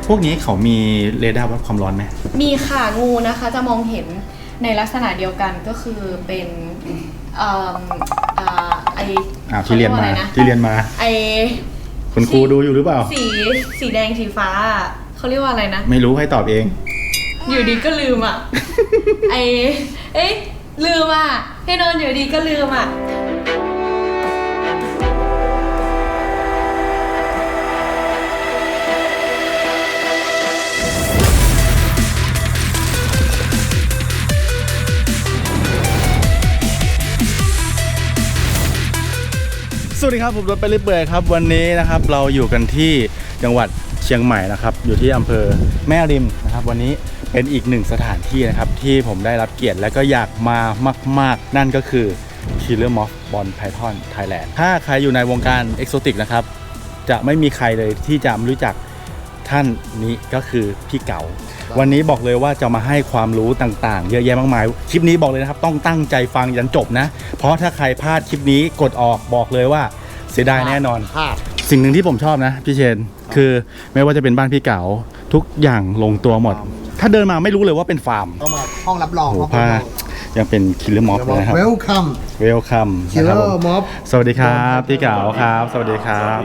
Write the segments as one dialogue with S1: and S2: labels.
S1: พวกนี้เขามีเรดาร์วัดความร้อนไหม
S2: มีค่ะงูนะคะจะมองเห็นในลักษณะเดียวกันก็คือเป็น
S1: ที่เรียนมาคุณครูดูอยู่หรือเปล่า
S2: สีแดงสีฟ้าเขาเรียกว่าอะไรนะ
S1: ไม่รู้ให้ตอบเอง
S2: อยู่ดีก็ลืมอ่ะลืมอ่ะให้นอนอยู่ดีก็ลืมอ่ะ
S1: สวัสดีครับผมรถไปเรื่อยครับวันนี้นะครับเราอยู่กันที่จังหวัดเชียงใหม่นะครับอยู่ที่อำเภอแม่ริมนะครับวันนี้เป็นอีกหนึ่งสถานที่นะครับที่ผมได้รับเกียรติและก็อยากมามากๆนั่นก็คือ Killer Moth Ball Python Thailand ถ้าใครอยู่ในวงการเอกโซติกนะครับจะไม่มีใครเลยที่จะไม่รู้จักท่านนี้ก็คือพี่เก๋าวันนี้บอกเลยว่าจะมาให้ความรู้ต่างๆเยอะแยะมากมายคลิปนี้บอกเลยนะครับต้องตั้งใจฟังยันจบนะเพราะถ้าใครพลาดคลิปนี้กดออกบอกเลยว่าเสียดายแน่นอนสิ่งหนึ่งที่ผมชอบนะพี่เชนคือไม่ว่าจะเป็นบ้านพี่เก๋าทุกอย่างลงตัวหมดถ้าเดินมาไม่รู้เลยว่าเป็นฟาร์ม
S3: เข้ามาห้องรับรอง
S1: ผ้ายังเป็นคิลเลอร์ม็อบเลยนะครับ
S3: Welcome
S1: Welcome
S3: Killer Moth
S1: สวัสดีครับพี่เก๋าครับสวัสดีครับ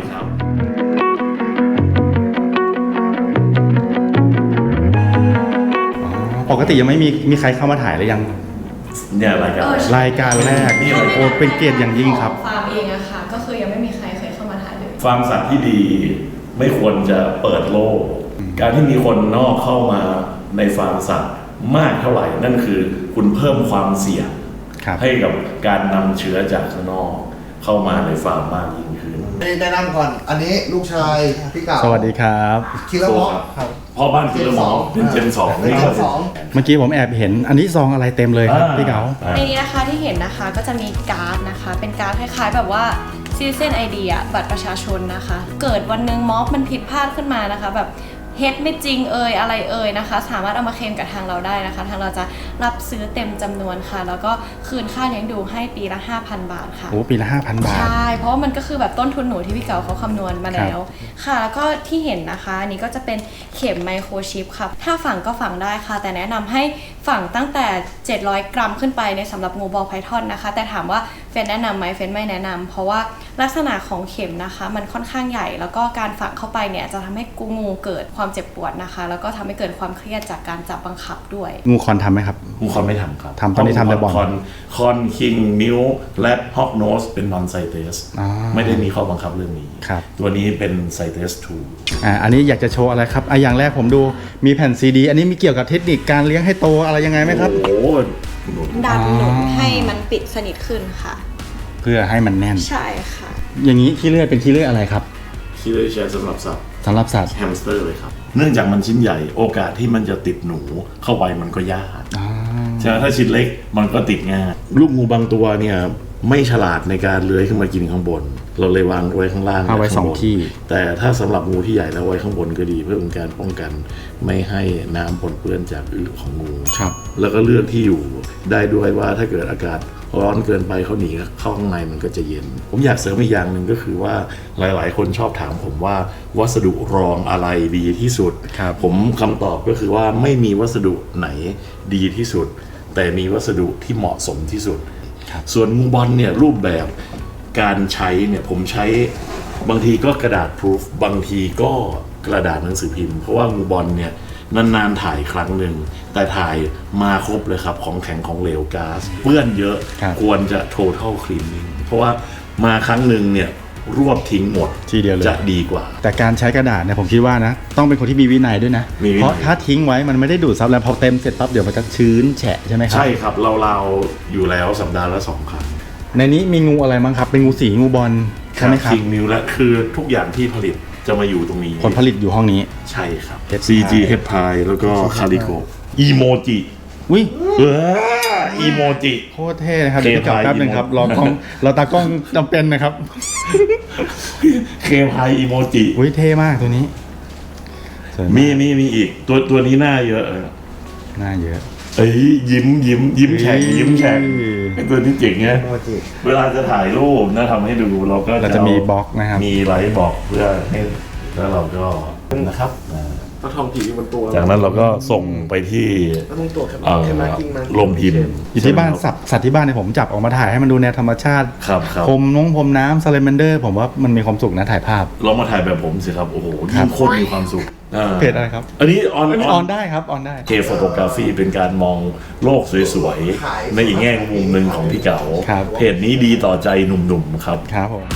S1: ปกติยังไม่มีใครเข้ามาถ่ายหรือยัง
S4: เนี่ยราย
S1: การแรกนี่โอ้เป็นเกียรติอย่างยิ่งครับ
S2: ฟาร์มเองอะค่ะก็คือยังไม่มีใครเคยเข้ามาถ่ายเลย
S4: ฟาร์มสัตว์ที่ดีไม่ควรจะเปิดโลกการที่มีคนนอกเข้ามาในฟาร์มสัตว์มากเท่าไหร่นั่นคือคุณเพิ่มความเสี่ยงให้กับการนำเชื้อจากข้างนอกเข้ามาในฟาร์มมากยิ่งขึ้น
S3: แนะนำก่อนอันนี้ลูกชายพี่เก๋า
S1: สวัสดีครับ
S3: คิลเลอร์ม็อบครับ
S4: พ่อบ้านคิลเลอร์ม็อบเป็นเจน2
S3: นี่ครับ
S1: เมื่อกี้ผมแอบเห็นอันนี้ซองอะไรเต็มเลยครับพี่เก๋า
S2: ในนี้นะคะที่เห็นนะคะก็จะมีการ์ดนะคะเป็นการ์ดคล้ายๆแบบว่าซีเซนไอเดียบัตรประชาชนนะคะเกิดวันนึงม็อบมันผิดพลาดขึ้นมานะคะแบบเฮ็ดไม่จริงอะไรนะคะสามารถเอามาเคลมกับทางเราได้นะคะทางเราจะรับซื้อเต็มจำนวนค่ะแล้วก็คืนค่าเลี้ยงดูให้ปีละ 5,000 บาทค่ะ
S1: โอ้ปีละ 5,000 บาท
S2: ใช่เพราะว่ามันก็คือแบบต้นทุนหนูที่พี่เก๋าเขาคำนวณมาแล้วค่ะแล้วก็ที่เห็นนะคะอันนี้ก็จะเป็นเข็มไมโครชิปค่ะถ้าฝังก็ฝังได้ค่ะแต่แนะนำให้ฝังตั้งแต่700 กรัมขึ้นไปในสำหรับงูบอลไพทอนนะคะแต่ถามว่าเฟนแนะนำไหมเฟนไม่แนะนำเพราะว่าลักษณะของเข็มนะคะมันค่อนข้างใหญ่แล้วก็การฝังเข้าไปเนี่ยจะทำให้งูเกิดความเจ็บปวดนะคะแล้วก็ทำให้เกิดความเครียดจากการจับบังคับด้วย
S1: งูคอนทำไหมครับ
S4: งูคอนไม่ทำครับ
S1: ทำตอนนี้ทำแต่บอล
S4: คอนคิงมิวและฮอกโนสเป็นนอนไซเตสไม่ได้มีข้อบังคับเรื่องนี้ตัวนี้เป็นไซเตส2
S1: อันนี้อยากจะโชว์อะไรครับอย่างแรกผมดูมีแผ่นซีดีอันนี้มีเกี่ยวกับเทคนิคการเลี้ยงให้โตอะไรยังไงไหมครับ
S4: โอ้
S2: ดันหนุนให้มันปิดสนิทขึ้นค่ะ
S1: เพื่อให้มันแน่น
S2: ใช่ค่ะ
S1: อย่างนี้ขี้เลื่อยเป็นขี้เลื่อยอะไรครับ
S4: ขี้เลื่อยใช้สำหรับสัตว์
S1: แฮ
S4: มสเตอร์เลยครับเนื่องจากมันชิ้นใหญ่โอกาสที่มันจะติดหนูเข้าไปมันก็ยากใช่ไหมถ้าชิ้นเล็กมันก็ติดง่ายลูกงูบางตัวเนี่ยไม่ฉลาดในการเลื้อยขึ้นมากินข้างบนเราเลยวางไว้ข้างล่าง
S1: เอาไว้2ที่
S4: แต่ถ้าสำหรับงูที่ใหญ่แล้วไว้ข้างบนก็ดีเพื่อเป็นการป้องกันไม่ให้น้ำปนเปื้อนจากอึของงูแล้วก็เลือกที่อยู่ได้ด้วยว่าถ้าเกิดอากาศร้อนเกินไปเขาหนีเข้าข้างในมันก็จะเย็นผมอยากเสริมอีกอย่างหนึ่งก็คือว่าหลายๆคนชอบถามผมว่าวัสดุรองอะไรดีที่สุดผมคำตอบก็คือว่าไม่มีวัสดุไหนดีที่สุดแต่มีวัสดุที่เหมาะสมที่สุดส่วนงูบอลเนี่ยรูปแบบการใช้เนี่ยผมใช้บางทีก็กระดาษพรูฟบางทีก็กระดาษหนังสือพิมพ์เพราะว่างูบอลเนี่ยนานๆถ่ายครั้งหนึ่งแต่ถ่ายมาครบเลยครับของแข็งของเหลวก๊าซเปื้อนเยอะควรจะ total cleaning เพราะว่ามาครั้งหนึ่งเนี่ยรวบทิ้งหมด
S1: ทีเดียวเลย
S4: จะดีกว่า
S1: แต่การใช้กระดาษเนี่ยผมคิดว่านะต้องเป็นคนที่มีวินัยด้วยนะเพราะถ้าทิ้งไว้มันไม่ได้ดูดซับแล้วพอเต็มเสร็จปั๊บเดี๋ยวมันจะชื้นแฉะใช่ไหมครับ
S4: ใช่ครับเราอยู่แล้วสัปดาห์ละ2 ครั้ง
S1: ในนี้มีงูอะไรบ้างครับเป็นงูสีงูบอลใช่ไหมครับ
S4: คิงมิวและคือทุกอย่างที่ผลิตจะมาอยู่ตรงนี้
S1: ผลผลิตอยู่ห้องนี้
S4: ใช่ครับ CG เฮดพายแล้วก็คาริโกอีโมจิ
S1: อุ้ย
S4: อีโมจิ
S1: โคตรเท่นะครับเดี๋ยวกลับแป๊บนึงครับเราตากล้องจำเป็นนะครับ
S4: เคพายอีโมจิ
S1: อุ้ยเท่มากตัวนี้
S4: มีอีกตัวนี้หน้าเยอะยิ้มแฉ่งเป็นตัวที่เจ๋งไงเวลาจะถ่ายรูปนะทำให้ดูเราก็
S1: จะมีบล็อกนะครับ
S4: มีไลท์บล็อกเพื่อให้แล้วเราก็นะครับ
S5: เอาทองผีอยู่บนตัว
S4: จากนั้นเราก็ส่งไปที่
S5: แล้วมึงตัวแค่
S4: เอ่อ
S5: มากิ้งมา
S4: โรงพิมพ์
S1: อยู่ที่บ้านสัตว์ที่บ้านเนี่ยผมจับออกมาถ่ายให้มันดูแนวธรรมชาติ
S4: ครับครับ
S1: พรมน้ำซาเลมนเดอร์ผมว่ามันมีความสุขนะถ่ายภาพ
S4: ลองมาถ่ายแบบผมสิครับ โอ้โห
S1: ครั
S4: ยิ่
S1: บ
S4: งโคตรมีความสุข
S1: เพจอะไรครับ
S4: อันนี้ออน
S1: ออนได้ครับออนได้
S4: เคโฟโตกราฟีเป็นการมองโลกสวยๆ ในอีกแง่มุมหนึ่งของพี่เก๋า
S1: ครับ
S4: เพจนี้ดีต่อใจหนุ่มๆครับ
S1: ครับผม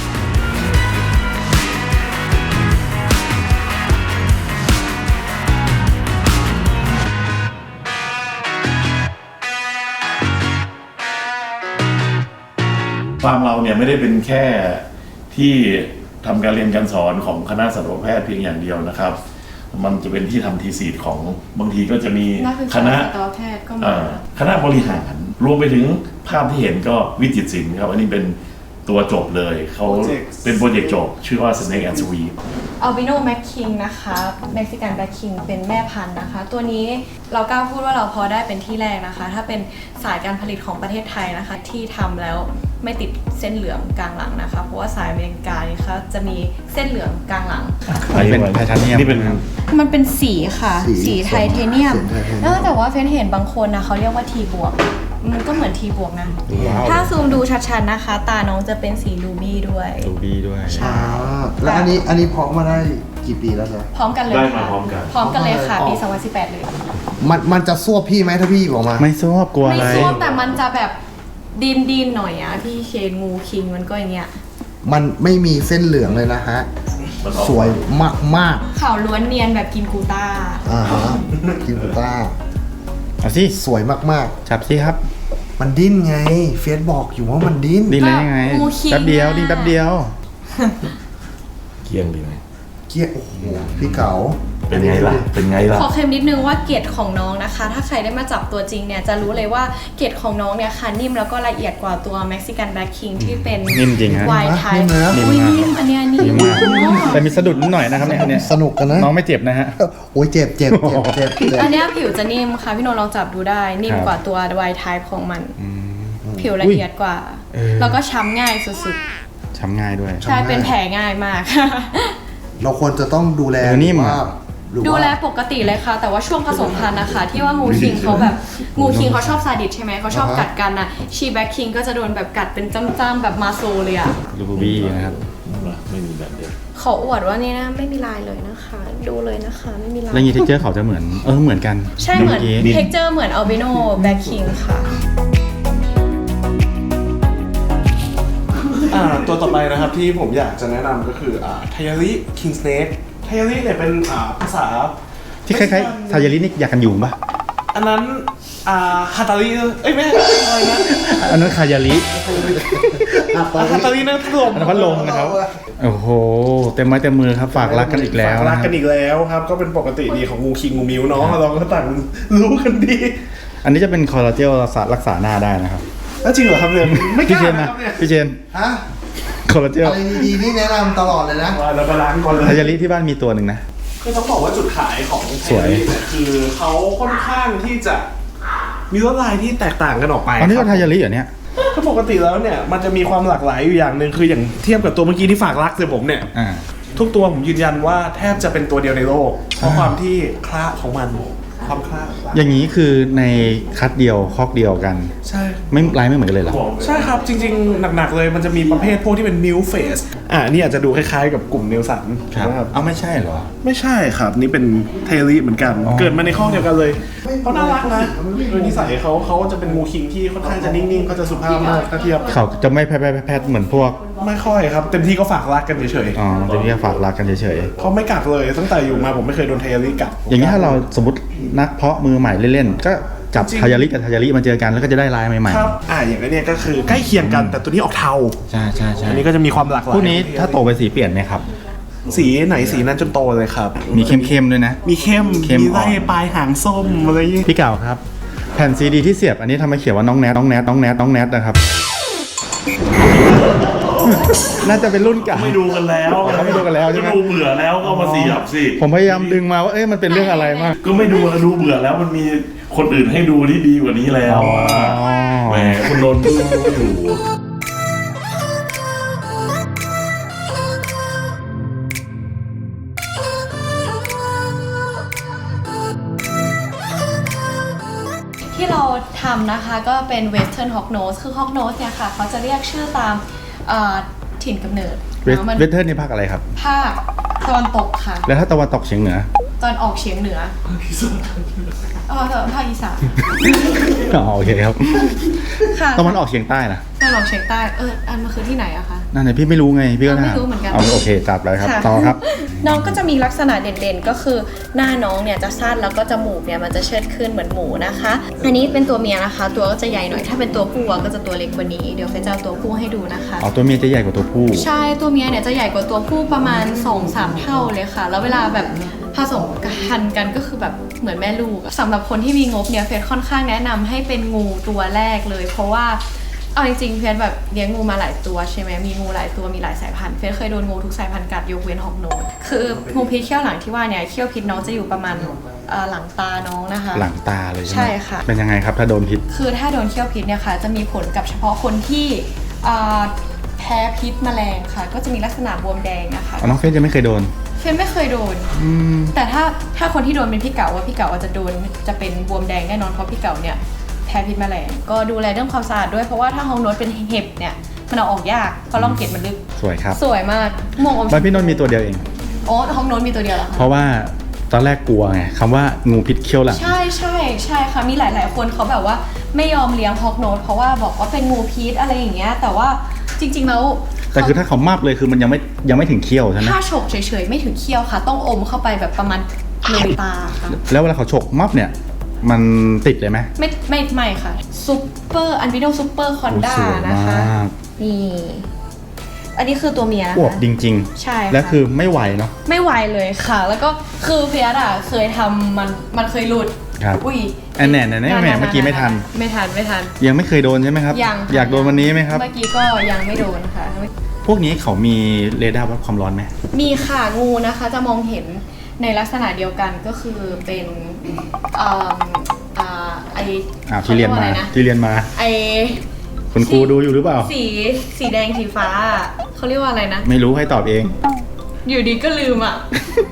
S4: ฟาร์มเราเนี่ยไม่ได้เป็นแค่ที่ทำการเรียนการสอนของคณะสัตวแพทย์เพียงอย่างเดียวนะครับ มันจะเป็นที่ทำทีซีของบางทีก็จะมี
S2: นักศึก
S4: ค
S2: ษา
S4: ณะ
S2: สัตวแพทย์ก็มา
S4: คณะบริหารรวมไปถึงภาพที่เห็นก็วิจิตรศิลป์ครับ อันนี้เป็นตัวจบเลยเขาเป็นโปรเจกต์จบ ชื่อว่า Snake and Sweep
S2: อัลบิโนแม็กคิงนะคะเม็กซิกันแบล็คคิงเป็นแม่พันธุ์นะคะ ตัวนี้เรากล้าพูดว่าเราพอได้เป็นที่แรกนะคะ ถ้าเป็นสายการผลิตของประเทศไทยนะคะ ที่ทำแล้วไม่ติดเส้นเหลืองกลางหลังนะคะ เพราะว่าสายอเมริกานี่ค่ะจะมีเส้นเหลืองกลางหลัง
S1: อันนี้เป็นไทเทเนียม
S4: นี่เป็น
S2: มันเป็นสีค่ะ
S3: สี
S2: สีไทเทเนียม
S3: สีไทเทเนียม
S2: แต่ว่าเฟนเห็นบางคนนะเขาเรียกว่าทีบวก มันก็เหมือนทีบวกนะ
S1: ว้าว
S2: ถ้าซูมดูชัดๆนะคะ ตาน้องจะเป็นสีรูบี้ด้วย
S1: ดูดีด้วย
S2: ใช่
S3: แล้วอันนี้เพาะมาได้กี่ปีแล้วจ๊ะ
S2: พร้อมกันเลย
S4: ได้
S2: ค่ะ
S4: มาพร้อมกัน
S2: พร้อมกันเลยค่ะ
S3: อ๋อ
S2: ปี 2018 เลย
S3: มันจะซวบพี่ไหมถ้าพี่หยิบออกมา
S1: ไม่ชอบกลัว
S2: ไม่
S1: อะไร
S2: ซ่วมแต่มันจะแบบดินหน่อยอะพี่เคนงูคิงมันก็อย่างเงี้ย
S3: มันไม่มีเส้นเหลืองเลยนะฮะ
S4: มันออก
S3: สวยมาก
S2: ขาวล้วนเนียนแบบกินกูต้า
S3: ๆฮะคิวต้า
S1: เอาสิ
S3: สวยมาก
S1: จับสิครับ
S3: ๆ มันดิ้นไง เฟซบอกอยู่ว่ามันดิ้น
S1: ดิ้นเลยยังไง
S2: งูคิง
S1: แป๊บเดียว
S2: อะ
S1: ดิ้นแป๊บเดียว
S4: เกี้ยงดีไหม
S3: เกี้ยโอ้โหพี่เก๋า
S4: เป็นไงล่ะ เป็นไงล่ะ
S2: ขอเคลมนิดนึงว่าเกล็ดของน้องนะคะ ถ้าใครได้มาจับตัวจริงเนี่ยจะรู้เลยว่าเกล็ดของน้องเนี่ยค่ะนิ่มแล้วก็ละเอียดกว่าตัวเม็กซิกันแบล็คคิงที่เป็น
S1: นิ่มจริงฮะ
S2: ไวท์ไท
S3: นิ่
S2: ป์
S3: มนะ
S2: อุ้ยนิ่มอันเนี้ยนิ่
S1: ดี
S2: ม
S1: มากแต่มีสะดุดนิดหน่อยนะครับเนี่ย
S3: สนุกกันนะ
S1: น้องไม่เจ็บนะฮะ
S3: โอ้ยเจ็บเจ็บเจ็บ
S2: อันเนี้ยผิวจะนิ่มค่ะพี่โนลองจับดูได้นิ่ม
S1: ครับ
S2: กว่าตัวไวท์ไทป์ของมัน ผิวละเอียดกว่า
S1: เออ
S2: แล้วก็ช้ำง่ายสุด
S1: ช้ำง่ายด้วย
S2: ๆ ใช่เป็นแผลง่ายมาก
S3: เราควรจะต้องดูแล
S1: เออนิ่มอะ
S3: หรือว่า
S2: ดูแลปกติเลยค่ะ แต่ว่าช่วงผสมพันธุ์นะคะ ที่ว่างูคิงเขาแบบงูคิงเขาชอบซาดิสใช่ไหมเขาชอบกัดกันนะชีแบ็คคิงก็จะโดนแบบกัดเป็นจ้ำๆแบบมาโซเลยอะ
S1: ลูบูบี้นะครับ
S4: ไม่มีแบบเดียว
S2: ขออวดว่านี่นะไม่มีลายเลยนะคะ ดูเลยนะคะไม่มีลาย
S1: แล้วยีเท็กเจอร์เขาจะเหมือนเหมือนกัน
S2: ใช่เหมือน
S1: กี้
S2: เท็กเจอร์เหมือนอัลบิโนแบ็คคิงค่ะ
S5: ตัวต่อไปนะครับที่ผมอยากจะแนะนำก็คือไทยาริคิงสเนกไทยาริเนี่ยเป็นภาษา
S1: ที่คล้ายๆทายารินี่อยากกันยุงปะ
S5: อันนั้นฮาตาริเอ้ยไม่ใช่อะไรนะ
S1: อันนั้นคายาริ
S5: ฮาตารินั่นพัดลม
S1: อันนั้นพัดลมนะครับ โอ้โห เต็มไม้เต็มมือครับ ฝากรักกันอีกแล้ว
S5: ฝากรั
S1: นะ
S5: ก
S1: ค
S5: กั
S1: รับ
S5: นอีกแล้วครับ ก็เป็นปกติดีของงูคิงงูมิวเนาะเราก็ต่างรู้กันดี
S1: อันนี้จะเป็นคอลลาเจลรักษาหน้าได้นะครับ
S5: แล้วจริงเหรอครับเนี่ยไม่ก
S1: พี่
S5: ล้า
S1: เชน
S5: นะ
S1: นะครับ
S5: เนี่ย
S1: พี่เชน
S3: ฮะ
S1: คอลลาเจล
S3: อะไรดีๆนี่แนะนำตลอดเลยนะ
S5: ว่าเราก็ล้างก่อนเลย
S1: ทายาริที่บ้านมีตัวหนึ่งนะ
S5: คือต้องบอกว่าจุดขายของไท
S1: สวย
S5: ยเนี่ยคือเขาค่อนข้างที่จะมีลวดลายที่แตกต่างกันออกไป
S1: อันนี้
S5: ค
S1: ก็
S5: รับ
S1: ทายาริเหรอเนี่ย
S5: คือปกติแล้วเนี่ยมันจะมีความหลากหลายอยู่อย่างหนึ่งคืออย่างเทียบกับตัวเมื่อกี้ที่ฝากรักเลยผมเนี่ย
S1: อ่า
S5: ทุกตัวผมยืนยันว่าแทบจะเป็นตัวเดียวในโลก เพราะความที่คละของมันความคละ
S1: อย่างนี้คือในคัดเดียวคอกเดียวกัน
S5: ใช่
S1: ไม่ลายไม่เหมือนกันเลยเหรอ
S5: ใช่ครับจริงๆ หนักๆเลยมันจะมีประเภทพวกที่เป็นมิลเฟสนี่อาจจะดูคล้ายๆกับกลุ่มเนลสัน
S1: ครับ
S5: นะครับ
S1: เอาไม่ใช่เหรอ
S5: ไม่ใช่ครับนี่เป็นเทลีเหมือนกัน
S1: อ๋อ
S5: เกิดมาในข้อเดียวกันเลยเขาน่ารักนะโดยนิสัยเขาจะเป็นงูคิงที่ค่อนข้างจะนิ่งๆเขาจะสุภาพมากถ้าเทียบ
S1: เขาจะไม่แพทเหมือนพวก
S5: ไม่ค่อยครับเต็มที่ก็ฝากรักกันเฉย
S1: อ๋อจะมีแค่ฝากรักกันเฉย
S5: ๆเขาไม่กัดเลยตั้งแต่อยู่มาผมไม่เคยโดนเทลีกัด
S1: ๆ อย่างนี้ถ้าเราสมมตินักเพาะมือใหม่เล่นๆ ก็จับ
S5: จริง
S1: ทายาริกับทายาริมาเจอกันแล้วก็จะได้ลายใหม่
S5: ครับอย่างนี้เนี่ยก็คือใกล้เคียงกันแต่ตัวนี้ออกเทา
S1: ๆ ใช่ใช่ใช่
S5: อันนี้ก็จะมีความหลากหลาย
S1: พวกนี้ถ้าโตไปสีเปลี่ยนไหมครับ
S5: สีไหนสีนั้นจนโตเลยครับ
S1: มีเข้มๆด้วยนะ
S5: มีเข้ม
S1: เข้ม
S5: มี
S1: อ่อน
S5: ไล่ปลายหางส้มอะไรอย่างงี้
S1: พี่เก่าครับ แผ่นซีดีที่เสียบอันนี้ทำไมเขียนว่าน้องแนทนะครับ น่าจะเป็นรุ่นเก่า
S4: ไม่ดูกันแล้ว
S1: เขาไม่ดูกันแล้วใช่ไหม
S4: ก็ดูเบื่อแล้วก็มาเสียบสิ
S1: ผมพยายามดึงมาว่ามันเป็นเรื่องอะไรมาก
S4: ก็ไม่ดูแล้วดูเบื่อแล้วมันมีคนอื่นให้ดูที่ดีกว่านี้แล้วแหมคุณนนท์ดูอยู่
S1: ค
S2: ำนะคะก็เป็น Western Hawk Nose คือ Hawk Nose เนี่ยค่ะเขาจะเรียกชื่อตามถิ่นกำเนิด
S1: เวสเทิร์นนี่ภาคอะไรครับ
S2: ภาคตะวันตกค่ะ
S1: แล้วถ้าตะวันตกเฉียงเหนือ
S2: ตอนออกเฉียงเหนือภาคอีสาน
S1: อ๋อโอเคครับ
S2: ค่ะ
S1: ตะวันออกเฉียงใต้นะ
S2: ตะวันออกเฉียงใต้อันมันคือที่ไหนอะคะ
S1: นั่นเลยพี่ไม่รู้ไงพี่ก็
S2: ไม่รู้เหมือนกัน
S1: เอาโอเคจับเลยครับ
S2: ค่ะ
S1: ต่อครับ
S2: น้องก็จะมีลักษณะเด่นๆก็คือหน้าน้องเนี่ยจะสั้นแล้วก็จมูกเนี่ยมันจะเชิดขึ้นเหมือนหมูนะคะ อันนี้เป็นตัวเมียนะคะ ตัวก็จะใหญ่หน่อยถ้าเป็นตัวผู้ก็จะตัวเล็กกว่านี้เดี๋ยวเฟยจะเอาตัวผู้ให้ดูนะคะ
S1: อ๋อตัวเมียจะใหญ่กว่าตัวผู้
S2: ใช่ตัวเมียเนี่ยจะใหญ่กว่าตัวผู้ประมาณ 2-3 เท่าเลยค่ะ แล้วเวลาแบบผสมกันกันก็คือแบบเหมือนแม่ลูกสำหรับคนที่มีงบเนี่ยเฟยค่อนข้างแนะนำให้เป็นงูตัวแรกเลย เพราะว่าเอาจริงๆเฟียสแบบเลี้ยงงูมาหลายตัวใช่ไหมมีงูหลายตัวมีหลายสายพันธุ์เฟียสเคยโดนงูทุกสายพันธุ์กัดยกเว้นฮอกโนสคืองูพิษเขี้ยวหลังที่ว่าเนี่ยเขี้ยวพิษน้องจะอยู่ประมาณหลังตาน้องนะคะ
S1: หลังตาเลยใช่ไหม
S2: ใช่ค่ะ
S1: เป็นยังไงครับถ้าโดนพิษ
S2: คือถ้าโดนเขี้ยวพิษเนี่ยค่ะจะมีผลกับเฉพาะคนที่แพ้พิษแมลงค่ะ ก็จะมีลักษณะบวมแดงนะคะ
S1: อ๋อน้องเฟซยังไม่เคยโดน
S2: เฟนไม่เคยโดน แต่ถ้าคนที่โดนเป็นพี่เก๋าว่าพี่เก๋าจะโดนจะเป็นบวมแดงแน่นอนเพราะพี่เก๋าเนี่ยแพ้พิษแมลงก็ดูแลเรื่องความสะอาดด้วยเพราะว่าถ้าฮองโนสเป็นเห็บเนี่ยมันเอาออกยากเพราะร่องเกล็ดมันลึก
S1: สวยครับ
S2: สวยมากม่วงอม
S1: บ้านพี่นนท์มีตัวเดียวเอง
S2: โอ้ฮองโนสมีตัวเดียวเหรอ
S1: เพ
S2: คะ
S1: ราะว่าตอนแรกกลัวไงคำว่างูพิษเขี้ยวหลัง
S2: ใช่ค่ะมีหลายๆคนเขาแบบว่าไม่ยอมเลี้ยงฮอกโนสเพราะว่าบอกว่าเป็นงูพิษอะไรอย่างเงี้ยแต่ว่าจริงๆแล้ว
S1: แต่คือถ้าเขามับเลยคือมันยังไม่ถึงเขี้ยวใช่ไหม
S2: ถ้าฉกเฉยๆไม่ถึงเคี้ยวค่ะ ต้องอมเข้าไปแบบประมาณเลยตาค่ะ
S1: แล้วเวลาเขาฉกมับเนี่ยมันติดเลยไหม
S2: ไม่ค่ะซูเปอร์อันวิโดซูเปอร์คอนด้า
S1: สวย
S2: นะคะ
S1: มาก
S2: นี่อันนี้คือตัวเมียนะ
S1: อวบ
S2: คะ
S1: จริง
S2: ใช่ค่ะ
S1: และคือไม่ไหวเนาะ
S2: ไม่ไหวเลยค่ะ แล้วก็คือเพียร์อะเคยทำมันเคยหลุด
S1: ครับ
S2: อุ้ย
S1: อันแหน่แหม่เมื่อกี้ไม่ทัน
S2: ไม่ทัน
S1: ยังไม่เคยโดนใช่ไหมครับ
S2: ยังค่ะ
S1: อยากโดนวันนี้ไหมครับ
S2: เมื่อกี้ก็ยังไม่โดนค่ะ
S1: พวกนี้เขามีเรดาร์วัดความร้อนไหม
S2: มีค่ะงูนะคะจะมองเห็นในลักษณะเดียวกันก็คือเป็น
S1: ที่เรียนมา
S2: ไอ
S1: คุณครูดูอยู่หรือเปล่า
S2: สีแดงสีฟ้าเขาเรียกว่าอะไรนะ
S1: ไม่รู้ให้ตอบเอง
S2: อยู่ดีก็ลืมอ่ะ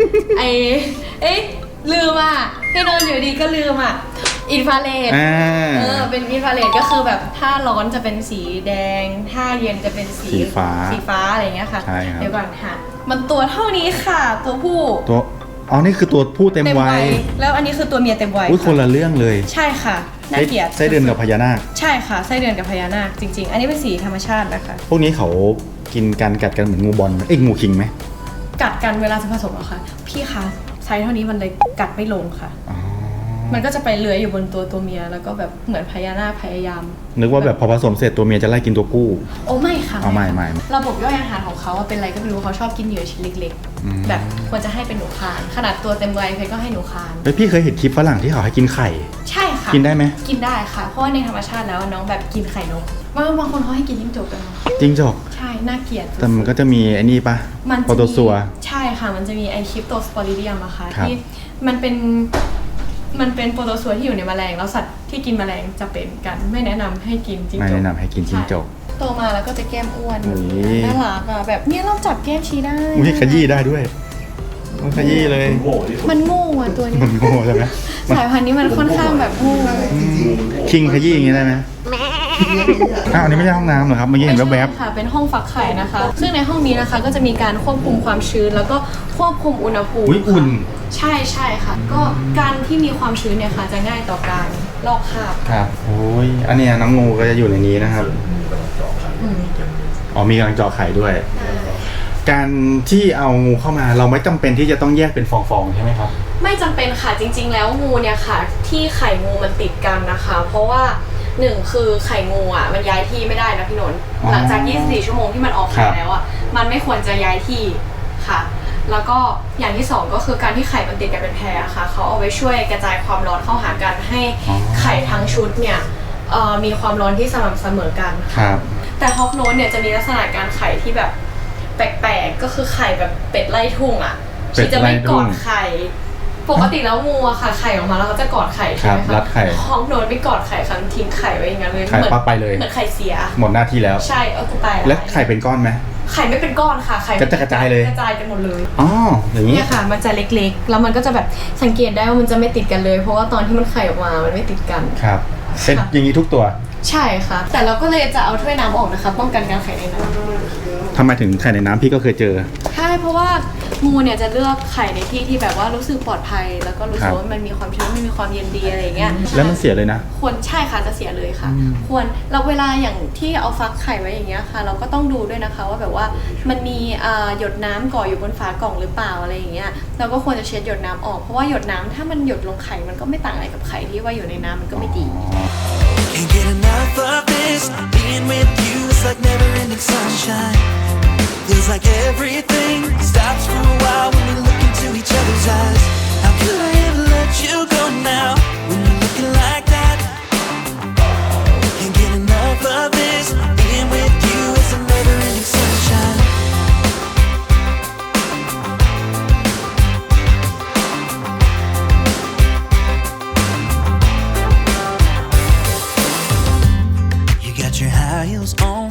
S2: ลืมอ่ะพี่นนท์อยู่ดีก็ลืมอ่ะอินฟราเรดเป็นอินฟราเรดก็คือแบบถ้าร้อนจะเป็นสีแดงถ้าเย็นจะเป็นสีฟ้าอะไรอย่างเงี้ยค่ะ
S1: ใช่ครับ
S2: เดี๋ยวก่อนค่ะมันตัวเท่านี้ค่ะตัวผู้
S1: อ๋อนี่คือตัวผู้เต็มวัย
S2: แล้วอันนี้คือตัวเมียเต็มวัย
S1: อุ้ยคนละเรื่องเลย
S2: ใช่ค่ะน่าเกลียด
S1: ไส้เดือนกับพญานาค
S2: ใช่ค่ะไส้เดือนกับพญานาคจริงๆ อันนี้เป็นสีธรรมชาตินะคะ
S1: พวกนี้เขากินกันกัดกันเหมือนงูบอลไหมงูคิงไหม
S2: กัดกันเวลาจะผสมเหรอคะพี่คะไซส์เท่านี้มันเลยกัดไม่ลงค่ะ
S1: อ๋อ
S2: มันก็จะไปเลื้อยอยู่บนตัวเมียแล้วก็แบบเหมือนพญานาคพยายาม
S1: นึกว่าแบบพอผสมเสร็จตัวเมียจะไล่กินตัวผู้
S2: โอ้ไม่ค่ะ
S1: อ๋อไม่
S2: ระบบย่อยอาหารของเขาเป็นอะไรก็ไม่รู้เขาชอบกินเหยื่อชิ้นเล็ก
S1: อืม
S2: ๆ แบบควรจะให้เป็นหนูคานขนาดตัวเต็มวัยเพชรก็ให้หนูคาน
S1: แล้วพี่เคยเห็นคลิปฝรั่งที่เขาให้กินไข่
S2: ใช่ค่ะ
S1: กินได้ไหม
S2: กินได้ค่ะ เพราะว่าในธรรมชาติแล้วน้องแบบกินไข่นกบางคนเขาให้กินจิ้งจกกันเนอะ
S1: จริงจอก
S2: ใช่น่าเกลียด
S1: แต่มันก็จะมีไอ้นี่ปะ
S2: มัน
S1: โปรโตซัว
S2: ใช่ค่ะ มันจะมีไอคริปโตสปอริเดียมอะค่ะ
S1: ครับ
S2: ที่มันเป็นโปรโตซัวที่อยู่ในแมลงแล้วสัตว์ที่กินแมลงจะเป็นกันไม่แนะนำให้กินจิ้งจก
S1: ไม่แนะนำให้กินจิ้งจก
S2: ใช่โตมาแล้วก็จะแก้มอ้วน
S1: อุ๊ย
S2: น่ารักอะแบบเนี้ยเราจับแก้มชี้ได้
S1: อุ้ยขยี้ได้ด้วยมันขยี้เลย
S4: โง่ที่สุด
S2: มันโง่อะตัวนี้
S1: มันโง่ใช่ไหม
S2: สายพันธุ์นี้มันค่อนข้างแบบโง่
S1: คิงขยี้อย่างงี้ได้ไหมอ้าวอันนี้ไม่ใช่ห้องน้ำเหรอครับเมื่อกี้เห็นแวบ
S2: ไม่ใช่ค่ะเป็นห้องฟักไข่นะคะ ซึ่งในห้องนี้นะคะก็จะมีการควบคุมความชื้นแล้วก็ควบคุมอุณหภู
S1: ๆ
S2: มิ
S1: อุ้ยอุ่น
S2: ใช่ค่ะ ก็การที่มีความชื้นเนี่ยค่ะจะง่ายต่อการลอกคราบ
S1: ครับโอ้ยอันเนี้ยน้องงูก็จะอยู่ในนี้นะครับ อ๋อมีกำลังเจาะไข่ด้วย การที่เอางูเข้ามาเราไม่จำเป็นที่จะต้องแยกเป็นฟองๆใช่ไหมครับ
S2: ไม่จำเป็นค่ะจริง ๆ แล้วงูเนี่ยค่ะ ที่ไข่งูมันติดกันนะคะ เพราะว่าหนึ่งคือไข่งูอ่ะมันย้ายที่ไม่ได้นะพี่นนท์
S1: อ๋อ
S2: หลังจาก 24 ชั่วโมงที่มันออกไข่
S1: ครับ
S2: แล้วอ่ะมันไม่ควรจะย้ายที่ค่ะ แล้วก็อย่างที่สองก็คือการที่ไข่มันติดกันเป็นแพรค่ะเขาเอาไว้ช่วยกระจายความร้อนเข้าหากันให้ไข่ทั้งชุดเนี่ยมีความร้อนที่สม่ำเสมอกัน
S1: ครับ
S2: แต่ฮอกโนสเนี่ยจะมีลักษณะการไข่ที่แบบแปลกๆก็คือไข่แบบเป็ดไล่ทุ่งอ่ะ
S1: เป็ด
S2: ที่จะไม่
S1: ไล่ทุ่
S2: กอง ดไข่ปกติแล้วงูอะค่ะไข่ออกมาแล้วเขาจะกอดไข่ใช่ไหม
S1: ครับรั
S2: คะ
S1: ดไข่
S2: ฮอกโนสไม่กอดไข่ค่ะทิ้งไข่ไว้อย่างนั้นเลย
S1: ไข่ปั๊บไปเลย
S2: เหมือนไข่เสีย
S1: หมดหน้าที่แล้ว
S2: ใช่กูตาย
S1: แล้วไข่เป็นก้อนไหม
S2: ไข่ไม่เป็นก้อนค่ะไข่
S1: กระจายเลย
S2: กระจายกันหมดเลย
S1: อ๋ออย่างนี้
S2: เนี่ยค่ะมันจะเล็กๆแล้วมันก็จะแบบสังเกตได้ว่ามันจะไม่ติดกันเลย เพราะว่าตอนที่มันไข่ออกมามันไม่ติดกัน
S1: ครับเป็นอย่างนี้ทุกตัว
S2: ใช่ค่ะ แต่เราก็เลยจะเอาถ้วยน้ำออกนะคะป้องกันการไข่ในน้ำ
S1: ทำไมถึงไข่ในน้ำพี่ก็เคยเจอ
S2: ใช่เพราะว่างูเนี่ยจะเลือกไข่ในที่ที่แบบว่ารู้สึกปลอดภัย แล้วก็รู้สึกว่ามันมีความชื้นมันมีความเย็นดีอะไรอย่างเงี้ย
S1: แล้วมันเสียเลยนะ
S2: ควรใช่ค่ะจะเสียเลยค่ะ ควรเราเวลาอย่างที่เอาฟักไข่ไว้อย่างเงี้ยค่ะ เราก็ต้องดูด้วยนะคะว่าแบบว่ามันมีหยดน้ำก่ออยู่บนฝากล่องหรือเปล่าอะไรอย่างเงี้ยเราก็ควรจะเช็ดหยดน้ำออกเพราะว่าหยดน้ำถ้ามันหยดลงไข่มันก็ไม่ต่างอะไรกับไข่ที่ว่าอยู่ในน้ำมันก็ไม่ดี
S6: Can't get enough of this. Being with you is like never-ending sunshine. Feels like everything stops for a while when we look into each other's eyes. How could I ever let you go now when you're looking like that? Can't get enough of this. Being with you is a never-ending sunshine. You got your high heels on,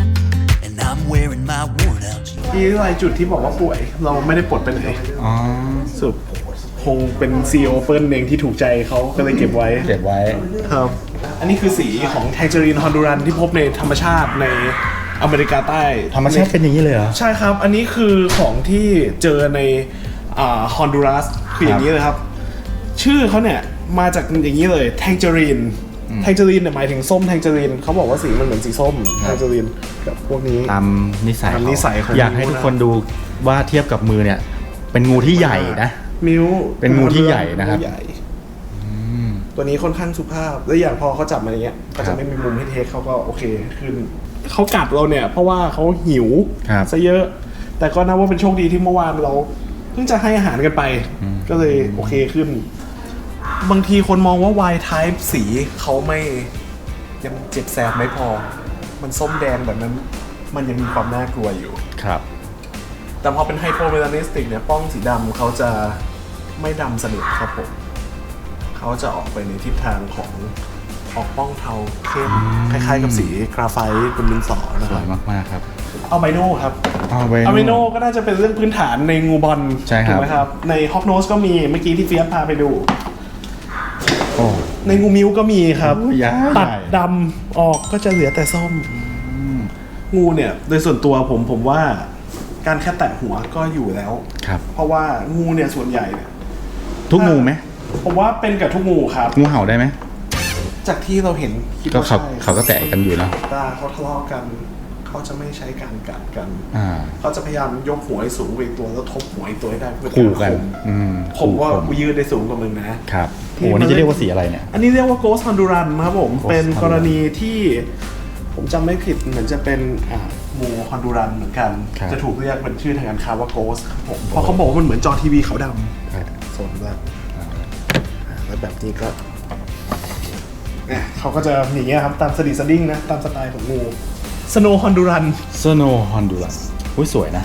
S6: and I'm wearing my worn-out jeans.
S5: ที่รายจุดที่บอกว่าป่วย เราไม่ได้ปลดไปไหน
S1: อ๋อ
S5: สุดคงเป็น CEO เปิ้ลเองที่ถูกใจเขาก็เลยเก็บไว้
S1: เก็บไว้
S5: ครับ อันนี้คือสีของแทงเจอรีนฮอนดูรันที่พบในธรรมชาติในอเมริกาใต้
S1: ธรรมชาติเป็นอย่างนี้เลยเหรอ
S5: ใช่ครับ อันนี้คือของที่เจอในฮอนดูรัสคืออย่างนี้เลยครับ ชื่อเขาเนี่ยมาจากอย่างนี้เลยแทงเจอรีนแทงเจอรีนเนี่ยหมายถึงส้มแทงเจอรีนเขาบอกว่าสีมันเหมือนสีส้มแทงเจอรีนกับพวกนี้
S1: ตามนิสัย
S5: ตามนิสัยของ
S1: อยากให้ทุกคนดูว่าเทียบกับมือเนี่ย เป็นงูที่ใหญ่นะ
S5: มิ้ว
S1: เป็นงูที่ใหญ่นะครับ
S5: งูใหญ่ตัวนี้ค่อนข้างสุภาพ และอย่างพอเขาจับมาอย่างเงี้ยก็
S1: ครั
S5: จะ
S1: บ
S5: ไม่มีมุมให้เทคเขาก็โอเคขึ้นเขากัดเราเนี่ยเพราะว่าเขาหิว
S1: ครับ
S5: ซะเยอะ แต่ก็นับว่าเป็นโชคดีที่เมื่อวานเราเพิ่งจะให้อาหารกันไป ก็เลยโอเคขึ้น บางทีคนมองว่า Y type สีเขาไม่ยังเจ็บแสบไม่พอ มันส้มแดงแบบนั้น มันยังมีความน่ากลัวอยู่
S1: ครับ
S5: แต่พอเป็นไฮโปเมลานิสติกเนี่ยป้องสีดำเขาจะไม่ดำสนิทครับผม เขาจะออกไปในทิศทางของออกป้องเทาเข้มคล้ายๆกับสีกราไฟต์บนดินสอนะ
S1: ส
S5: ครั
S1: ว
S5: บ
S1: ยมากๆครับ
S5: เอาไบโนครับ
S1: เอาไป
S5: อะมิโนก็น่าจะเป็นเรื่องพื้นฐานในงูบอล
S1: ใช่ครับ
S5: ถูกไหมครับ ในฮอกโนสก็มีเมื่อกี้ที่เฟียสพาไปดู
S1: โอ้
S5: ในงูมิวก็มีครับ
S1: โอ้ยใหญ่
S5: ตัดดำออกก็จะเหลือแต่ส้ม งูเนี่ย โดยส่วนตัวผมว่าการแค่แตะหัวก็อยู่แล้ว
S1: ครับ
S5: เพราะว่างูเนี่ยส่วนใหญ่เนี่ย
S1: ทุกงูไหม
S5: ผมว่าเป็นกับทุกงูครับ
S1: งูเห่าได้ไหม
S5: จากที่เราเห็นคิด
S1: ก็
S5: ว่า
S1: เขา
S5: ใช่
S1: เขาก็แตะกันอยู่แล้ว
S5: ตาเขาทะเลาะกัน เขาจะไม่ใช้การกัดกัน
S1: อ่า
S5: เขาจะพยายามยกหัวให้สูงไปอีกตัวแล้วทบหัวอีกตัวให้ได้เพื่อ
S1: ขู่กัน
S5: ข่ม ผมว่ากูยืดได้สูงกว่ามึงนะ
S1: ครับโอ้นี่จะเรียกว่าสีอะไรเนี่ย
S5: อันนี้เรียกว่า Ghost Honduran ครับผม
S1: Ghost
S5: เป็น
S1: Honduran
S5: กรณีที่ผมจำไม่ผิดเหมือนจะเป็นงูฮอนดูรันเหมือนกัน
S1: ครับ
S5: จะถูกเรียกเป็นชื่อทางการค้าว่า Ghost ครับผมเพราะเขาบอกว่ามันเหมือนจอทีวีขาวดำสนแล้วแล้วแบบนี้ก็เนี่ยเขาก็จะอย่างเงี้ยครับตามสดิสดิ้งนะตามสไตล์ของงู Snow Honduran
S1: โซโนฮอนดูรัสอุ้ยสวยนะ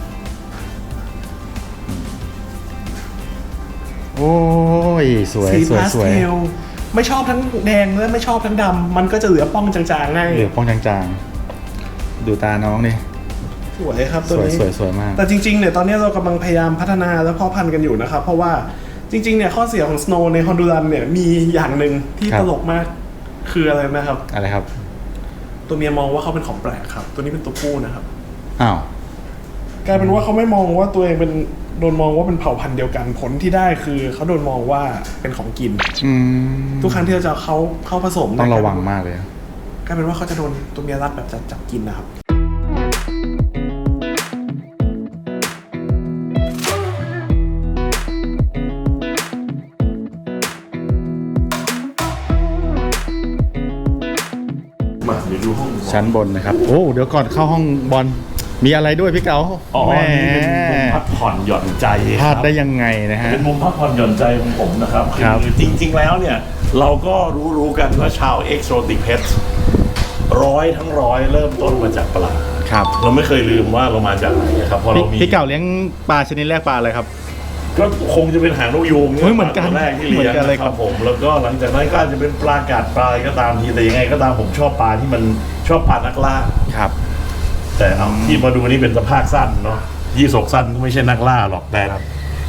S1: โอ้ย สวย
S5: สี
S1: สวย
S5: พาส
S1: สวย
S5: เทลไม่ชอบทั้งแดงและไม่ชอบทั้งดำมันก็จะเหลือป้องจางๆให้
S1: เหลือป้องจางๆ ดูตาน้องดิ
S5: สวยครับ
S1: ส
S5: ตัว
S1: วย
S5: นี้
S1: สวยสวยมาก
S5: แต่จริงๆเนี่ยตอนนี้เรากำลังพยายามพัฒนาและเพาะพันธุ์กันอยู่นะครับ เพราะว่าจริงๆเนี่ยข้อเสียของ Snow ในฮอนดูรันเนี่ยมีอย่างหนึ่งที่
S1: ครับ
S5: ตลกมากคืออะไรนะครับ
S1: อะไรครับ
S5: ตัวเมียมองว่าเขาเป็นของแปลกครับ ตัวนี้เป็นตัวผู้นะครับ
S1: อ้าว
S5: กลายเป็นว่าเขาไม่มองว่าตัวเองเป็นโดนมองว่าเป็นเผ่าพันธุ์เดียวกันผลที่ได้คือเขาโดนมองว่าเป็นของกิน
S1: อืม
S5: ทุกครั้งที่เราจะเข้าผสม
S1: ต้องระวังมากเลย
S5: กลายเป็นว่าเขาจะโดนตัวเมียรัดแบบจับกินนะครับ
S4: มาเดี๋ยวดูห้อง
S1: ชั้นบนนะครับ โอ้ เดี๋ยวก่อนเข้าห้องบอล มีอะไรด้วยพี่เก๋า
S4: อ๋อ
S1: แหม
S4: นี่เป็นมุมพักผ่อนหย่อนใจ
S1: พ
S4: ค
S1: ลา
S4: รั
S1: ด
S4: บ
S1: ได้ยังไงนะฮะ
S4: เป็นมุมพักผ่อนหย่อนใจของผมนะครับ
S1: ครับ
S4: คือจริง ๆ แล้วเนี่ย เราก็รู้กันว่าชาว Exotic Pets ทั้งร้อยเริ่มต้นมาจากปลา
S1: ครับ
S4: เราไม่เคยลืมว่าเรามาจากไหนนะครับพอเรามี
S1: พี่เก๋าเลี้ยงปลาชนิดแรกปลาอะไรครับ
S4: ก็คงจะเป็นหางนกยูง
S1: เฮ้ยเหมือนกัน
S4: ตัวแรกที่เลี้ยง
S1: เหมือนกันเลยครับ
S4: ผม แล้วก็หลังจากนั้นก็อาจจะเป็นปลากาดปลาอะไรก็ตามทีแต่ยังไงก็ตามผมชอบปลาที่มันชอบปลานักล่า
S1: ครับ
S4: แต่เอาที่มาดูนี่เป็นสภาพสั้นเนาะยี่สกสั้นก็ไม่ใช่นักล่าหรอกแต่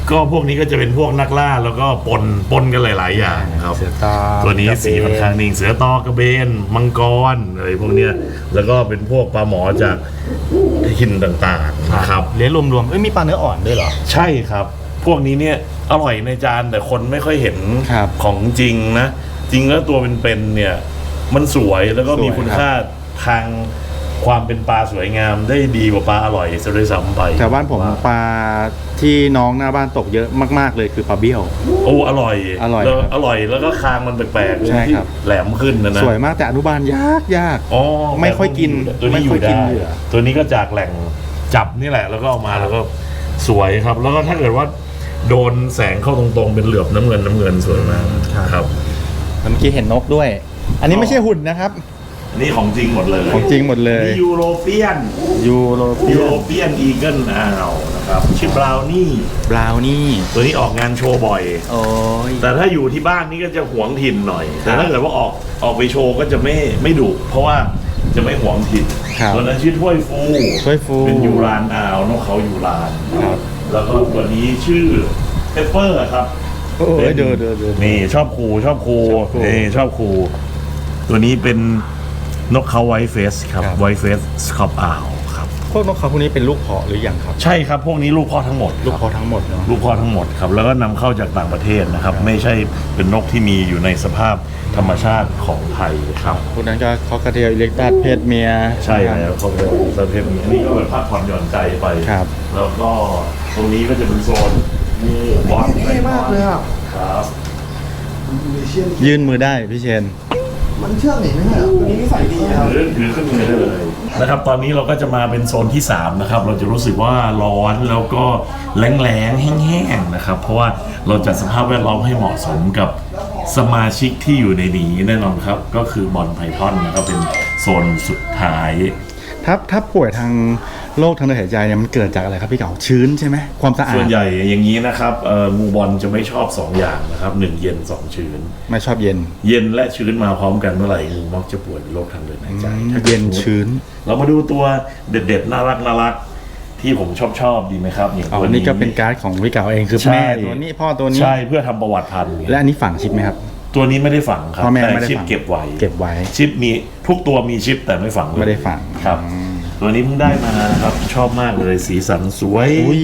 S4: ก็พวกนี้ก็จะเป็นพวกนักล่าแล้วก็ปนกันหลายๆอย่างครับ
S1: เสือตอ
S4: ตัวนี้
S1: กระเบน
S4: สีค่อนข้างนิ่งเสือตอกระเบนมังกรอะไรพวกเนี้ยแล้วก็เป็นพวกปลาหมอจากหินต่างๆนะครับ
S1: เลี้ยงรวมๆมีปลาเนื้ออ่อนด้วยเหรอ
S4: ใช่ครับ พวกนี้เนี่ยอร่อยในจานแต่คนไม่ค่อยเห็น
S1: ครับ
S4: ของจริงนะ จริงแล้วตัวเป็นๆเนี่ยมันสวยแล้วก็มี
S1: สวย
S4: คุณค่าทางความเป็นปลาสวยงามได้ดีกว่าปลาอร่อยซะด้วยซ้ำไป
S1: แต่บ้านผมปลาที่น้องหน้าบ้านตกเยอะมากๆเลยคือปลาเบี้ยว
S4: โอ้อร่อย
S1: อร่อย
S4: แล้ว
S1: ครับ
S4: อร่อยแล้วก็คางมันแปลกๆ
S1: ใช่
S4: ที่
S1: ครับ
S4: แหลมขึ้นนะ
S1: สวยมากแต่อนุบาลยาก
S4: อ๋อ
S1: ไม่ค่อยกิน
S4: ตัวนี้อ
S1: ไม่ค่อย
S4: ยู่
S1: กิน
S4: ได้
S1: เหยื่อ
S4: ตัวนี้ก็จากแหล่งจับนี่แหละ แล้วก็เอามาแล้วก็สวยครับ แล้วก็ถ้าเกิดว่าโดนแสงเข้าตรงๆเป็นเหลือบน้ำเงินสวยมากครับ
S1: เมื่อกี้เห็นนกด้วย อันนี้ไม่ใช่หุ่นนะครับ
S4: นี่ของจริงหมดเลย
S1: ของจริงหมดเลย
S4: นี่ยูโรเปียน
S1: ยูโรเปี
S4: ยู
S1: ย
S4: โรเปียนอีเกิลอ้าวนะครับชื่อบราวนี่
S1: บราวนี่
S4: ตัวนี้ออกงานโชว์บ่อย
S1: โอ้ย
S4: แต่ถ้าอยู่ที่บ้านนี่ก็จะหวงถิ่นหน่อย แต่ถ้าเกิดว่าออกไปโชว์ก็จะไม่ดุเพราะว่าจะไม่หวงถิ่น
S1: ครับ
S4: ตัวนั้นชื่อถ้วยฟู
S1: ถ้วยฟู
S4: เป็นยูรานอาวนกเขายูราน
S1: ครับ
S4: แล้วก็ตัวนี้ชื่อเปเปอร์ครับ
S1: โอ้ยเดิน
S4: นี่ชอบครูนี่ชอบครูตัวนี้เป็นนกเขาไวท์เฟสครับไวท์เฟสสคอปอ่าวครับ
S1: พวกนกเขาพวกนี้เป็นลูกเพาะหรือยังครับ
S4: ใช่ครับพวกนี้ลูกพ่อทั้งหมด
S1: ลูก
S4: ครับ
S1: เพาะทั้งหมดเนาะ
S4: ลูกพ่อทั้งหมดครับแล้วก็นำเข้าจากต่างประเทศนะครับ ไม่ใช่เป็นนกที่มีอยู่ในสภาพธรรมชาติของไทยครับ
S1: พวกนั้นก็คอกระเทียอิเล็กตัสเพศเมีย
S4: ใช่แล้วเขาเป็นประเภทนี้อันนี้ก็เป็นพักผ่อนหย่อนใจไป
S1: ครับ
S4: แล้วก็ตรงนี้ก็จะเป็นโซนมีบอล
S3: เท่มากเลยอ่ะ
S4: ครับ
S3: มีเชี่ยน
S1: ยื่นมือได้พี่เชน
S3: มันเชื่องหนิไม่ใช่เหรอ
S5: ตัวนี้นิสัยดีครับ
S4: ถือขึ้นมือได้เลยนะครับตอนนี้เราก็จะมาเป็นโซนที่3นะครับเราจะรู้สึกว่าร้อนแล้วก็แรงๆแห้งๆนะครับเพราะว่าเราจัดสภาพแวดล้อมให้เหมาะสมกับสมาชิกที่อยู่ในนี้แน่นอนครับก็คือบอลไพทอนนะครับเป็นโซนสุดท้าย
S1: ถ้าป่วยทางโรคทางเดินหายใจเนี่ยมันเกิดจากอะไรครับพี่เก๋าชื้นใช่ไหมความสะอา
S4: ส่ว
S1: ด
S4: นใหญ่อย่างนี้นะครับงูบอลจะไม่ชอบ2อย่างนะครับ1เย็น2ชื้น
S1: ไม่ชอบเย็น
S4: เย็นและชื้นมาพร้อมกันเมื่อไหร่งูมักจะป่วยเป็นโรคทางเดินหายใจถ้ากิด
S1: เย็นชื้น
S4: เรามาดูตัวเด็ดๆน่ารักที่ผมชอบดีไหมครับอย่าง
S1: อ๋อ
S4: ตัว
S1: นี่ก็เป็นการ์ดของพี่เก๋าเองคือ
S4: ใช่
S1: แม่ตัวนี้พ่อตัวนี้
S4: ใช่เพื่อทำประวัติพันธุ์
S1: และอันนี้ฝังชิปไหมครับ
S4: ตัวนี้ไม่ได้ฝังครับ
S1: พ่อแม่
S4: แต่
S1: ไม่ได้
S4: ชิป
S1: ฝัง
S4: เก็บไว้
S1: เก็บไว้
S4: ชิปมีทุกตัวมีชิปแต่ไม่ฝังเลย
S1: ไม่ได้ฝัง
S4: ครับ ตัวนี้เพิ่งได้มานะครับชอบมากเลยสีสันสวย
S1: อุ้ย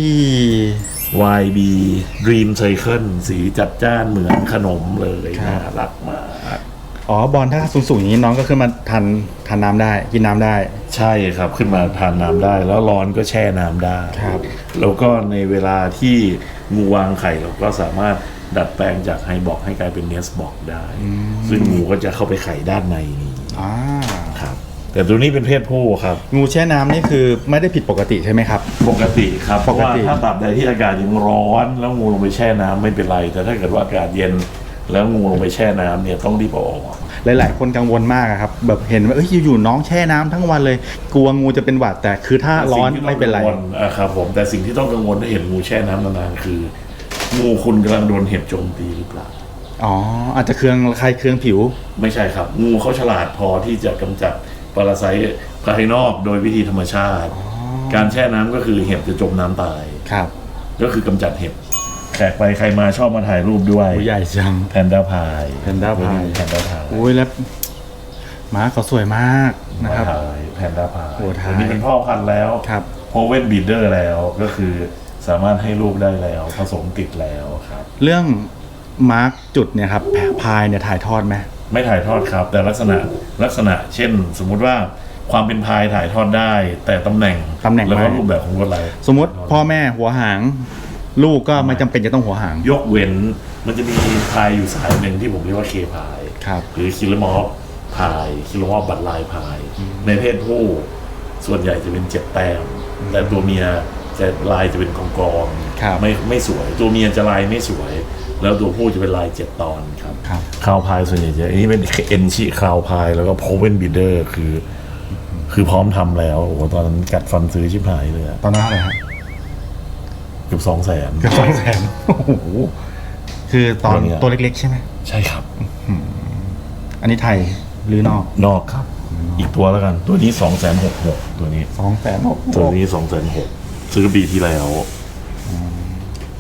S4: YB Dream Cycle สีจัดจ้านเหมือนขนมเลยน่ารักมาก
S1: อ๋อบอลถ้าสูงๆอย่างนี้น้องก็ขึ้นมาทานน้ำได้กินน้ำได้
S4: ใช่ครับขึ้นมาทานน้ำได้ แล้วร้อนก็แช่น้ำได้
S1: ครับ
S4: แล้วก็ในเวลาที่งูวางไข่เราก็สามารถดัดแปลงจากไฮบอกให้กลายเป็นเนสบอกได้ ซึ่งงูก็จะเข้าไปไข่ด้านในนี้
S1: อ่า
S4: ครับแต่ตัวนี้เป็นเพศผู้ครับ
S1: งูแช่น้ำนี่คือไม่ได้ผิดปกติใช่ไหมครับ
S4: ปกติครับเพ
S1: ป
S4: ราะ
S1: ก
S4: ว่า
S1: ติ
S4: ถ้าตราบใดที่อากาศยังร้อนแล้วงูลงไปแช่น้ำไม่เป็นไร แต่ถ้าเกิดว่าอากาศเย็นแล้วงูลงไปแช่น้ำเนี่ยต้องรีบเอาออก
S1: หลายๆคนกังวลมากอะครับแบบเห็นว่าอยู่ๆน้องแช่น้ำทั้งวันเลย กลัวงูจะเป็นหวัดแต่คือถ้าร้อนไม่เป็นไร
S4: สิ่งที่ต้องกังวลครับผมแต่สิ่งที่ต้องกังวลถ้าเห็นงูแช่น้ำนานๆคือ งูคุณกำลังโดนเห็บโจมตีหรือเปล่า
S1: อ๋ออาจจะเครื่องผิว
S4: ไม่ใช่ครับ งูเขาฉลาดพอที่จะกำจัดปรสิตภายนอกโดยวิธีธรรมชาติ การแช่น้ำก็คือเห็บจะจมน้ำตาย
S1: ครับ
S4: ก็คือกำจัดเห็บแขกไปใครมาชอบมาถ่ายรูปด้วย
S1: ใหญ่จัง
S4: แพนด้าพาย
S1: แพนด้าพาย
S4: แพนด้าพาย
S1: อุ้ยแล้วม้าเขาสวยมากนะครับ
S4: แพนด้าพาย
S1: โอ้ถ่าย
S4: ตัวนี้เป็นพ่อพันธุ์แล้ว
S1: ครับ
S4: โพเวนบีเดอร์แล้วก็คือสามารถให้ลูกได้แล้วผสมติดแล้วครับ
S1: เรื่องมาร์กจุดเนี่ยครับพายเนี่ยถ่ายทอดไหม
S4: ไม่ถ่ายทอดครับ แต่ลักษณะเช่น สมมุติว่าความเป็นพายถ่ายทอดได้ แต่ตำแหน่งแล้วก็รูปแบบของลวดลาย
S1: สมมติพ่อแม่หัวหาง ลูกก็ไม่จำเป็นจะต้องหัวหาง
S4: ยกเว้นมันจะมีพายอยู่สายหนึ่งที่ผมเรียกว่าเคพาย
S1: ครับ
S4: หรือคิลมอฟพายคิลมอฟบัตรลายพาย ในเพศผู้ส่วนใหญ่จะเป็น7 แต้มแต่ตัวเมียจะลายจะเป็นกองๆ
S1: ครับ
S4: ไม่สวย ตัวเมียจะลายไม่สวย แล้วตัวผู้จะเป็นลาย7 ตอนครับ
S1: ครับ
S4: คราวพายส่วนใหญ่จะอันนี้เป็นเอ็นชิคราวพายแล้วก็โพเวนบิดเดอร์คือพร้อมทำแล้วโอ้โหตอนนั้นกัดฟันซื้อชิบหายเลยอะ
S1: ตอนนั้นอะไรครับ
S4: เกือบ200,000
S1: เกือบ200,000โอ้โหคือตอน
S4: ตัวเนี่ย
S1: ตัวเล็กๆใช่ไหม
S4: ใช่ครับ
S1: อันนี้ไทยหรือนอก
S4: นอกครับ อีกตัวแล้วกัน ตัวนี้2,600,000ตัวนี้
S1: 2,600,000
S4: ตัวนี้2,600,000ซื้อปีที่แล้ว
S1: เ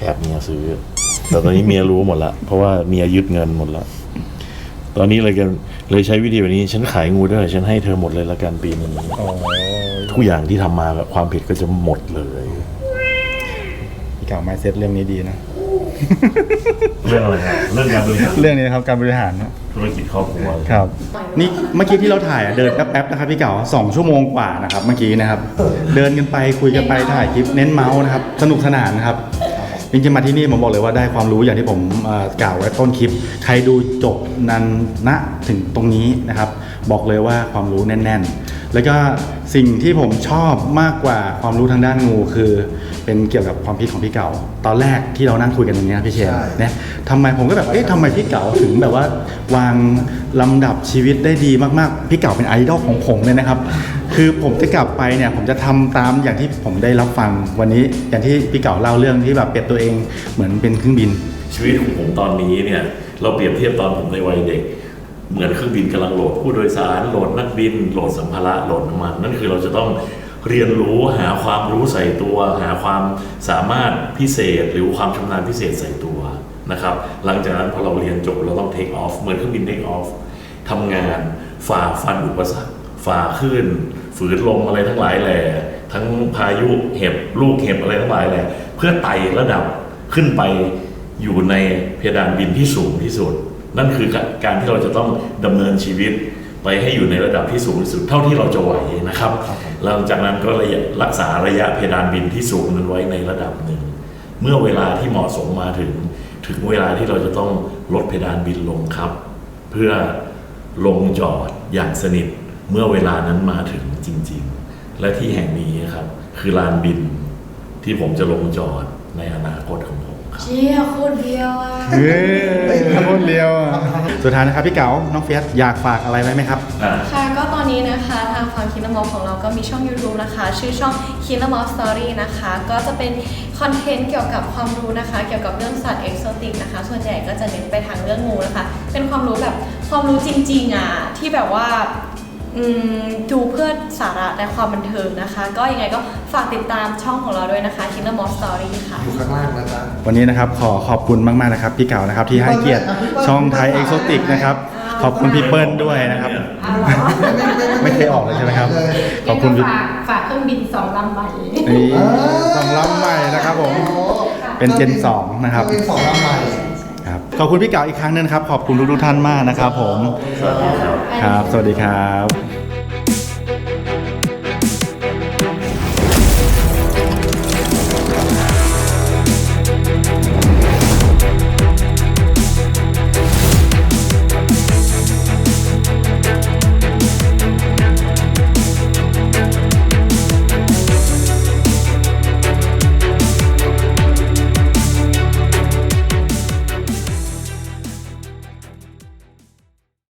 S4: แอบเมียซื้อ แต่ตอนนี้เมียรู้หมดละเพราะว่าเมียยึดเงินหมดละตอนนี้เลยใช้วิธีแบบนี้ฉันขายงูด้วยฉันให้เธอหมดเลยละกันปีนี้ทุกอย่างที่ทำมาแบบความผิดก็จะหมดเลย
S1: พี่เก่าไมเซ็ตเรื่องนี้ดีนะ
S4: เรื่องอะไรครับเรื่องการบริหาร
S1: เรื่องนี้นะครับการบริหาร
S4: ธุรกิจครอบครัว
S1: ครับนี่เมื่อกี้ที่เราถ่ายเดินแป๊บๆนะครับพี่เก่า2 ชั่วโมงกว่านะครับเมื่อกี้นะครับ เดินกันไปคุยกันไปถ่ายคลิปเน้นเมาส์นะครับสนุกสนานนะครับจริงๆมาที่นี่ผมบอกเลยว่าได้ความรู้อย่างที่ผมกล่าวไว้ต้นคลิปใครดูจบนั้นณถึงตรงนี้นะครับบอกเลยว่าความรู้แน่นๆแล้วก็สิ่งที่ผมชอบมากกว่าความรู้ทางด้านงูคือเป็นเกี่ยวกับความคิดของพี่เก่าตอนแรกที่เรานั่งคุยกันตรงนี้นะพี่เชนเนี่ยทำไมผมก็แบบทำไมพี่เก่าถึงแบบว่าวางลำดับชีวิตได้ดีมากๆพี่เก่าเป็นไอดอลของผมเลยนะครับคือผมจะกลับไปเนี่ยผมจะทำตามอย่างที่ผมได้รับฟังวันนี้อย่างที่พี่เก่าเล่าเรื่องที่แบบเปรียบตัวเองเหมือนเป็นเครื่องบิน
S4: ชีวิตของผมตอนนี้เนี่ยเราเปรียบเทียบตอนผมในวัยเด็กเหมือนเครื่องบินกำลังโหลดผู้โดยสารโหลดนักบินโหลดสัมภาระโหลดน้ำมันนั่นคือเราจะต้องเรียนรู้หาความรู้ใส่ตัวหาความสามารถพิเศษหรือความชำนาญพิเศษใส่ตัวนะครับหลังจากนั้นพอเราเรียนจบเราต้อง take off เหมือนเครื่องบิน take off ทำงานฝ่าฟันอุปสรรคฝ่าคลื่นฝืนลมอะไรทั้งหลายแหล่ทั้งพายุเห็บลูกเห็บอะไรทั้งหลายแหล่เพื่อไต่ระดับขึ้นไปอยู่ในเพดานบินที่สูงที่สุดนั่นคือการที่เราจะต้องดำเนินชีวิตไปให้อยู่ในระดับที่สูงที่สุดเท่าที่เราจะไหวนะครับหลังจากนั้นก็รักษาระยะเพดานบินที่สูงนั้นไว้ในระดับหนึ่งเมื่อเวลาที่เหมาะสมมาถึงเวลาที่เราจะต้องลดเพดานบินลงครับเพื่อลงจอดอย่างสนิทเมื่อเวลานั้นมาถึงจริงๆและที่แห่งนี้ครับคือลานบินที่ผมจะลงจอดในอนาคตของผมครับ
S2: เชี่ยโคตรเดียวอ่ะ
S1: เฮ้ยโคตรเร็วสุดท้ายนะครับพี่เก๋าน้องเฟียสอยากฝากอะไรไว้ไหมครับ
S2: ค่ะก็ตอนนี้นะคะทางฝั่งคินนามอลของเราก็มีช่อง YouTube นะคะชื่อช่องคินนามอลสตอรี่นะคะก็จะเป็นคอนเทนต์เกี่ยวกับความรู้นะคะเกี่ยวกับเรื่องสัตว์เอกโซติกนะคะส่วนใหญ่ก็จะเน้นไปทางเรื่องงูนะคะเป็นความรู้แบบความรู้จริงๆอ่ะที่แบบว่าดูเพื่อสาระและความบันเทิงนะคะก็ยังไงก็ฝากติดตามช่องของเราด้วยนะคะคินนามอลสตอรี่ค่ะ
S3: อยู่ข้างล่างนะจ๊ะ
S1: วันนี้นะครับขอบคุณมากๆนะครับพี่เก๋านะครับที่ให้เกียรติช่องไทยเอ็กโซติกนะครับขอบคุณพี่เปิ้ลด้วยนะครับไม่เคยออกเลยใช่ไหมครับขอบคุณพี่
S7: ฝากเครื่องบิน2 ลำใหม่
S1: นี่สองลำใหม่นะครับผมเป็นเจน2นะครับ
S3: เป็น2 ลำใหม่
S1: ครับขอบคุณพี่เก๋าอีกครั้งหนึงนะครับขอบคุณทุกๆท่านมากนะครับผม
S4: สวัสดีครับ
S1: ครับสวัสดีครับ